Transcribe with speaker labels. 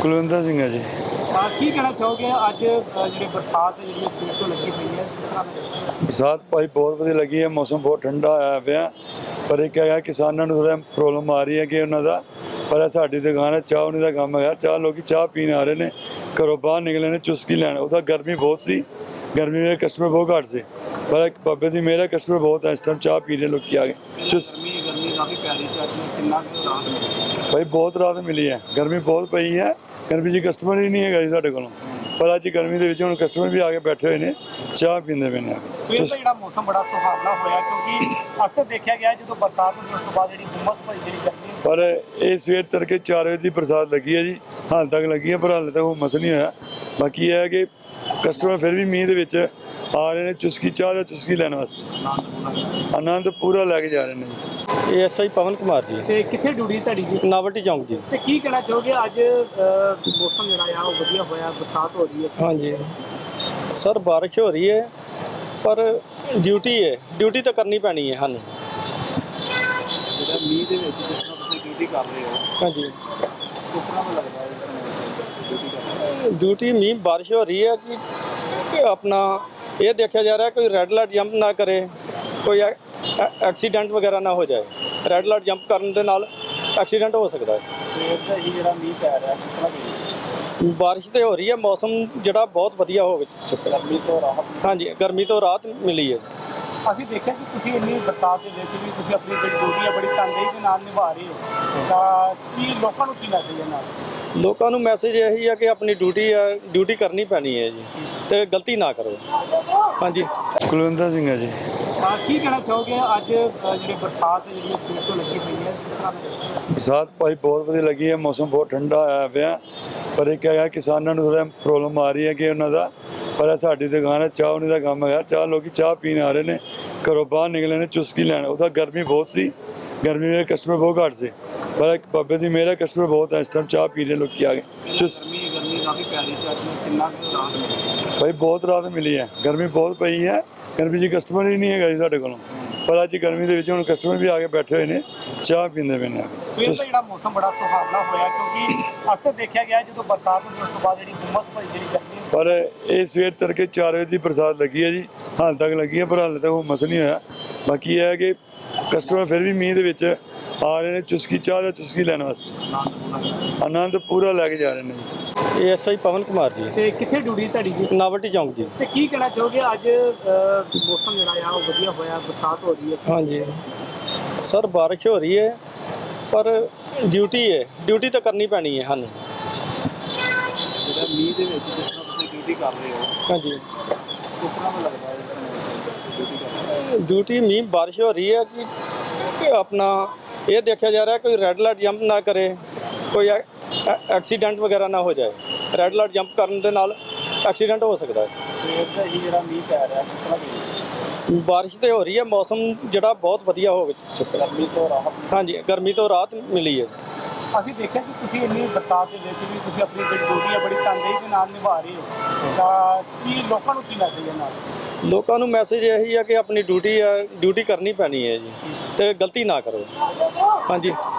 Speaker 1: ਕੁਲਵਿੰਦਰ ਸਿੰਘ ਹੈ ਜੀ।
Speaker 2: ਕੀ ਕਹਿਣਾ ਚਾਹੋਗੇ ਅੱਜ ਜਿਹੜੀ ਬਰਸਾਤ ਜਿਹੜੀ ਸਵੇਰ ਤੋਂ ਲੱਗੀ ਪਈ ਹੈ ਕਿਸ ਤਰ੍ਹਾਂ ਦਾ?
Speaker 1: ਬਰਸਾਤ ਭਾਈ ਬਹੁਤ ਵਧੀਆ ਲੱਗੀ ਹੈ, ਮੌਸਮ ਬਹੁਤ ਠੰਡਾ ਹੋਇਆ ਪਿਆ। ਪਰ ਇਹ ਹੈਗਾ ਕਿਸਾਨਾਂ ਨੂੰ ਥੋੜ੍ਹਾ ਪ੍ਰੋਬਲਮ ਆ ਰਹੀ ਹੈ ਕਿ ਉਹਨਾਂ ਦਾ, ਪਰ ਇਹ ਸਾਡੀ ਦੁਕਾਨ ਹੈ, ਚਾਹ ਉਨੀ ਦਾ ਕੰਮ ਹੈਗਾ। ਚਾਹ ਲੋਕੀ ਚਾਹ ਪੀਣ ਆ ਰਹੇ ਨੇ, ਘਰੋਂ ਬਾਹਰ ਨਿਕਲੇ ਨੇ ਚੁਸਕੀ ਲੈਣ। ਉਹਦਾ ਗਰਮੀ ਬਹੁਤ ਸੀ, ਗਰਮੀ ਵਿੱਚ ਕਸਟਮਰ ਬਹੁਤ ਘੱਟ ਸੀ, ਪਰ ਇੱਕ ਬਾਬੇ ਦੀ ਮੇਰਾ ਕਸਟਮਰ ਬਹੁਤ ਹੈ। ਇਸ ਟਾਈਮ ਚਾਹ ਪੀ ਰਹੇ ਲੋਕੀ ਆ ਗਏ।
Speaker 2: ਗਰਮੀ ਕਾਫੀ ਪੈ ਰਹੀ ਸੀ, ਅੱਜ ਕਿੰਨਾ ਕੁ ਰਾਹਤ ਮਿਲੀ?
Speaker 1: ਭਾਈ ਬਹੁਤ ਰਾਹਤ ਮਿਲੀ ਹੈ, ਗਰਮੀ ਬਹੁਤ ਪਈ ਹੈ। ਗਰਮੀ 'ਚ ਕਸਟਮਰ ਹੀ ਨਹੀਂ ਹੈਗਾ ਜੀ ਸਾਡੇ ਕੋਲੋਂ, ਪਰ ਅੱਜ ਗਰਮੀ ਦੇ ਵਿੱਚ ਹੁਣ ਕਸਟਮਰ ਵੀ ਆ ਕੇ ਬੈਠੇ ਹੋਏ ਨੇ, ਚਾਹ ਪੀਂਦੇ ਪਏ ਨੇ।
Speaker 2: ਸਵੇਰ ਦਾ ਜਿਹੜਾ ਮੌਸਮ ਬੜਾ ਸੁਹਾਵਣਾ ਹੋਇਆ, ਕਿਉਂਕਿ ਅਕਸਰ ਦੇਖਿਆ ਗਿਆ ਜਦੋਂ ਬਰਸਾਤ ਹੁੰਦੀ ਉਸ ਤੋਂ ਬਾਅਦ ਜਿਹੜੀ ਹੁੰਮਸ ਭਰੀ ਜਿਹੜੀ ਗਰਮੀ।
Speaker 1: ਪਰ ਇਹ ਸਵੇਰ ਤੜਕੇ 4 ਵਜੇ ਦੀ ਬਰਸਾਤ ਲੱਗੀ ਹੈ ਜੀ, ਹਾਲ ਤੱਕ ਲੱਗੀ ਹੈ, ਪਰ ਹਾਲੇ ਤੱਕ ਹੁੰਮਸ ਨਹੀਂ ਹੋਇਆ। ਬਾਕੀ ਇਹ ਹੈ ਕਿ ਕਸਟਮਰ ਫਿਰ ਵੀ ਮੀਂਹ ਦੇ ਵਿੱਚ ਆ ਰਹੇ ਨੇ ਚੁਸਕੀ ਚਾਹ ਦਾ ਚੁਸਕੀ ਲੈਣ ਵਾਸਤੇ, ਆਨੰਦ ਪੂਰਾ ਲੈ ਕੇ ਜਾ ਰਹੇ ਨੇ ਜੀ।
Speaker 3: ਐਸਆਈ ਪਵਨ ਕੁਮਾਰ ਜੀ,
Speaker 2: ਤੇ ਕਿੱਥੇ ਡਿਊਟੀ ਤੁਹਾਡੀ ਜੀ?
Speaker 3: ਨਾਵਟੀ ਚੌਂਕ ਜੀ।
Speaker 2: ਤੇ ਕੀ ਕਹਿਣਾ ਚਾਹੋਗੇ ਅੱਜ ਮੌਸਮ ਜਿਹੜਾ ਆ ਉਹ ਵਧੀਆ ਹੋਇਆ, ਬਰਸਾਤ ਹੋ ਰਹੀ ਹੈ?
Speaker 3: ਹਾਂਜੀ ਸਰ, ਬਾਰਿਸ਼ ਹੋ ਰਹੀ ਹੈ, ਪਰ ਡਿਊਟੀ ਹੈ, ਡਿਊਟੀ ਤਾਂ ਕਰਨੀ ਪੈਣੀ ਹੈ ਸਾਨੂੰ।
Speaker 2: ਜਿਹੜਾ ਮੀਂਹ ਦੇ ਵਿੱਚ ਜਿਸ ਤਰ੍ਹਾਂ ਤੁਸੀਂ ਡਿਊਟੀ ਕਰ ਰਹੇ ਹੋ,
Speaker 3: ਹਾਂਜੀ
Speaker 2: ਕਿਸ ਤਰ੍ਹਾਂ ਦਾ ਲੱਗਦਾ ਹੈ ਡਿਊਟੀ ਕਰਨਾ?
Speaker 3: ਡਿਊਟੀ ਮੀਂਹ ਬਾਰਿਸ਼ ਹੋ ਰਹੀ ਹੈ ਕਿ ਆਪਣਾ ਇਹ ਦੇਖਿਆ ਜਾ ਰਿਹਾ ਕੋਈ ਰੈੱਡ ਲਾਈਟ ਜੰਪ ਨਾ ਕਰੇ, ਕੋਈ ਐਕਸੀਡੈਂਟ ਵਗੈਰਾ ਨਾ ਹੋ ਜਾਏ। ਰੈੱਡ ਲਾਈਟ ਜੰਪ ਕਰਨ ਦੇ ਨਾਲ ਐਕਸੀਡੈਂਟ ਹੋ ਸਕਦਾ ਹੈ।
Speaker 2: ਸਵੇਰ ਦਾ ਹੀ ਜਿਹੜਾ ਮੀਂਹ ਪੈ ਰਿਹਾ ਕਿਸ ਤਰ੍ਹਾਂ ਦੀ
Speaker 3: ਬਾਰਿਸ਼ ਤੇ ਹੋ ਰਹੀ ਹੈ, ਮੌਸਮ ਜਿਹੜਾ ਬਹੁਤ ਵਧੀਆ ਹੋ ਚੁੱਕਾ।
Speaker 2: ਗਰਮੀ ਤੋਂ ਰਾਹਤ?
Speaker 3: ਹਾਂਜੀ, ਗਰਮੀ ਤੋਂ ਰਾਹਤ ਮਿਲੀ ਹੈ।
Speaker 2: ਅਸੀਂ ਦੇਖਿਆ ਕਿ ਤੁਸੀਂ ਇੰਨੀ ਬਰਸਾਤ ਦੇ ਵਿੱਚ ਵੀ ਤੁਸੀਂ ਆਪਣੀ ਜਿਹੜੀ ਡਿਊਟੀ ਹੈ ਬੜੀ ਤਨਦੇਹੀ ਦੇ ਨਾਲ ਨਿਭਾ ਰਹੇ ਹੋ, ਤਾਂ ਕੀ ਲੋਕਾਂ ਨੂੰ ਕੀ ਮੈਸੇਜ ਹੈ ਨਾਲ?
Speaker 3: ਲੋਕਾਂ ਨੂੰ ਮੈਸੇਜ ਇਹੀ ਹੈ ਕਿ ਆਪਣੀ ਡਿਊਟੀ ਹੈ, ਡਿਊਟੀ ਕਰਨੀ ਪੈਣੀ ਹੈ ਜੀ, ਤੇ ਗਲਤੀ ਨਾ ਕਰੋ। ਹਾਂਜੀ
Speaker 1: ਕੁਲਵਿੰਦਰ ਸਿੰਘ ਹੈ ਜੀ।
Speaker 2: ਕੀ ਕਹਿਣਾ ਚਾਹੋਗੇ ਅੱਜ ਜਿਹੜੀ ਬਰਸਾਤ ਜਿਹੜੀ ਸਵੇਰ ਤੋਂ ਲੱਗੀ ਪਈ ਹੈ ਕਿਸ ਤਰ੍ਹਾਂ ਦਾ?
Speaker 1: ਬਰਸਾਤ ਭਾਈ ਬਹੁਤ ਵਧੀਆ ਲੱਗੀ ਹੈ, ਮੌਸਮ ਬਹੁਤ ਠੰਡਾ ਹੋਇਆ ਪਿਆ। ਪਰ ਇੱਕ ਹੈਗਾ ਕਿਸਾਨਾਂ ਨੂੰ ਥੋੜ੍ਹਾ ਪ੍ਰੋਬਲਮ ਆ ਰਹੀ ਹੈ ਕਿ ਉਹਨਾਂ ਦਾ, ਪਰ ਇਹ ਸਾਡੀ ਦੁਕਾਨ ਹੈ, ਚਾਹ ਉਨੀ ਦਾ ਕੰਮ ਹੈਗਾ। ਚਾਹ ਲੋਕੀ ਚਾਹ ਪੀਣ ਆ ਰਹੇ ਨੇ, ਘਰੋਂ ਬਾਹਰ ਨਿਕਲੇ ਨੇ ਚੁਸਕੀ ਲੈਣ। ਉਹਦਾ ਗਰਮੀ ਬਹੁਤ ਸੀ, ਗਰਮੀ ਵਿੱਚ ਕਸਟਮਰ ਬਹੁਤ ਘੱਟ ਸੀ, ਪਰ ਇੱਕ ਬਾਬੇ ਦੀ ਮੇਰਾ ਕਸਟਮਰ ਬਹੁਤ ਹੈ। ਇਸ ਟਾਈਮ ਚਾਹ ਪੀ ਰਹੇ ਲੋਕੀ ਆ ਗਏ।
Speaker 2: ਗਰਮੀ ਕਾਫੀ ਪੈ ਰਹੀ ਸੀ, ਅੱਜ ਕਿੰਨਾ ਕੁ ਰਾਹਤ ਮਿਲੀ?
Speaker 1: ਭਾਈ ਬਹੁਤ ਰਾਹਤ ਮਿਲੀ ਹੈ, ਗਰਮੀ ਬਹੁਤ ਪਈ ਹੈ। ਗਰਮੀ 'ਚ ਕਸਟਮਰ ਹੀ ਨਹੀਂ ਹੈਗਾ ਜੀ ਸਾਡੇ ਕੋਲੋਂ, ਪਰ ਅੱਜ ਗਰਮੀ ਦੇ ਵਿੱਚ ਹੁਣ ਕਸਟਮਰ ਵੀ ਆ ਕੇ ਬੈਠੇ ਹੋਏ ਨੇ, ਚਾਹ ਪੀਂਦੇ ਪਏ ਨੇ।
Speaker 2: ਸਵੇਰ ਦਾ ਜਿਹੜਾ ਮੌਸਮ ਬੜਾ ਸੁਹਾਵਣਾ ਹੋਇਆ, ਕਿਉਂਕਿ ਅਕਸਰ ਦੇਖਿਆ ਗਿਆ ਜਦੋਂ ਬਰਸਾਤ ਹੁੰਦੀ ਉਸ ਤੋਂ ਬਾਅਦ ਜਿਹੜੀ ਹੁੰਮਸ ਭਰੀ ਜਿਹੜੀ ਗਰਮੀ।
Speaker 1: ਪਰ ਇਹ ਸਵੇਰ ਤੜਕੇ 4 ਵਜੇ ਦੀ ਬਰਸਾਤ ਲੱਗੀ ਹੈ ਜੀ, ਹਾਲ ਤੱਕ ਲੱਗੀ ਹੈ, ਪਰ ਹਾਲੇ ਤੱਕ ਹੁੰਮਸ ਨਹੀਂ ਹੋਇਆ। ਬਾਕੀ ਇਹ ਹੈ ਕਿ ਕਸਟਮਰ ਫਿਰ ਵੀ ਮੀਂਹ ਦੇ ਵਿੱਚ ਆ ਰਹੇ ਨੇ ਚੁਸਕੀ ਚਾਹ ਦਾ ਚੁਸਕੀ ਲੈਣ ਵਾਸਤੇ, ਆਨੰਦ ਪੂਰਾ ਲੈ ਕੇ ਜਾ ਰਹੇ ਨੇ ਜੀ।
Speaker 3: ਐਸਆਈ ਪਵਨ ਕੁਮਾਰ ਜੀ,
Speaker 2: ਤੇ ਕਿੱਥੇ ਡਿਊਟੀ ਤੁਹਾਡੀ ਜੀ?
Speaker 3: ਨਾਵਟੀ ਚੌਂਕ ਜੀ।
Speaker 2: ਤੇ ਕੀ ਕਹਿਣਾ ਚਾਹੋਗੇ ਅੱਜ ਮੌਸਮ ਜਿਹੜਾ ਆ ਉਹ ਵਧੀਆ ਹੋਇਆ, ਬਰਸਾਤ ਹੋ ਰਹੀ ਹੈ?
Speaker 3: ਹਾਂਜੀ ਸਰ, ਬਾਰਿਸ਼ ਹੋ ਰਹੀ ਹੈ, ਪਰ ਡਿਊਟੀ ਹੈ, ਡਿਊਟੀ ਤਾਂ ਕਰਨੀ ਪੈਣੀ ਹੈ ਸਾਨੂੰ।
Speaker 2: ਜਿਹੜਾ ਮੀਂਹ ਦੇ ਵਿੱਚ ਜਿਸ ਤਰ੍ਹਾਂ ਤੁਸੀਂ ਡਿਊਟੀ ਕਰ ਰਹੇ ਹੋ,
Speaker 3: ਹਾਂਜੀ
Speaker 2: ਕਿਸ ਤਰ੍ਹਾਂ ਦਾ ਲੱਗਦਾ ਹੈ ਡਿਊਟੀ ਕਰਨਾ?
Speaker 3: ਡਿਊਟੀ ਮੀਂਹ ਬਾਰਿਸ਼ ਹੋ ਰਹੀ ਹੈ ਕਿ ਆਪਣਾ ਇਹ ਦੇਖਿਆ ਜਾ ਰਿਹਾ ਕੋਈ ਰੈੱਡ ਲਾਈਟ ਜੰਪ ਨਾ ਕਰੇ, ਕੋਈ ਐਕਸੀਡੈਂਟ ਵਗੈਰਾ ਨਾ ਹੋ ਜਾਏ। ਰੈੱਡ ਲਾਈਟ ਜੰਪ ਕਰਨ ਦੇ ਨਾਲ ਐਕਸੀਡੈਂਟ ਹੋ ਸਕਦਾ ਹੈ।
Speaker 2: ਸਵੇਰ ਦਾ ਹੀ ਜਿਹੜਾ ਮੀਂਹ ਪੈ ਰਿਹਾ ਕਿਸ ਤਰ੍ਹਾਂ ਦੀ
Speaker 3: ਬਾਰਿਸ਼ ਤੇ ਹੋ ਰਹੀ ਹੈ, ਮੌਸਮ ਜਿਹੜਾ ਬਹੁਤ ਵਧੀਆ ਹੋ ਚੁੱਕਾ।
Speaker 2: ਗਰਮੀ ਤੋਂ ਰਾਹਤ?
Speaker 3: ਹਾਂਜੀ, ਗਰਮੀ ਤੋਂ ਰਾਹਤ ਮਿਲੀ ਹੈ।
Speaker 2: ਅਸੀਂ ਦੇਖਿਆ ਕਿ ਤੁਸੀਂ ਇੰਨੀ ਬਰਸਾਤ ਦੇ ਵਿੱਚ ਵੀ ਤੁਸੀਂ ਆਪਣੀ ਜਿਹੜੀ ਡਿਊਟੀ ਹੈ ਬੜੀ ਤਨਦੇਹੀ ਦੇ ਨਾਲ ਨਿਭਾ ਰਹੇ ਹੋ, ਤਾਂ ਕੀ ਲੋਕਾਂ ਨੂੰ ਕੀ ਮੈਸੇਜ ਹੈ ਨਾਲ?
Speaker 3: ਲੋਕਾਂ ਨੂੰ ਮੈਸੇਜ ਇਹੀ ਹੈ ਕਿ ਆਪਣੀ ਡਿਊਟੀ ਹੈ, ਡਿਊਟੀ ਕਰਨੀ ਪੈਣੀ ਹੈ ਜੀ, ਤੇ ਗਲਤੀ ਨਾ ਕਰੋ। ਹਾਂਜੀ।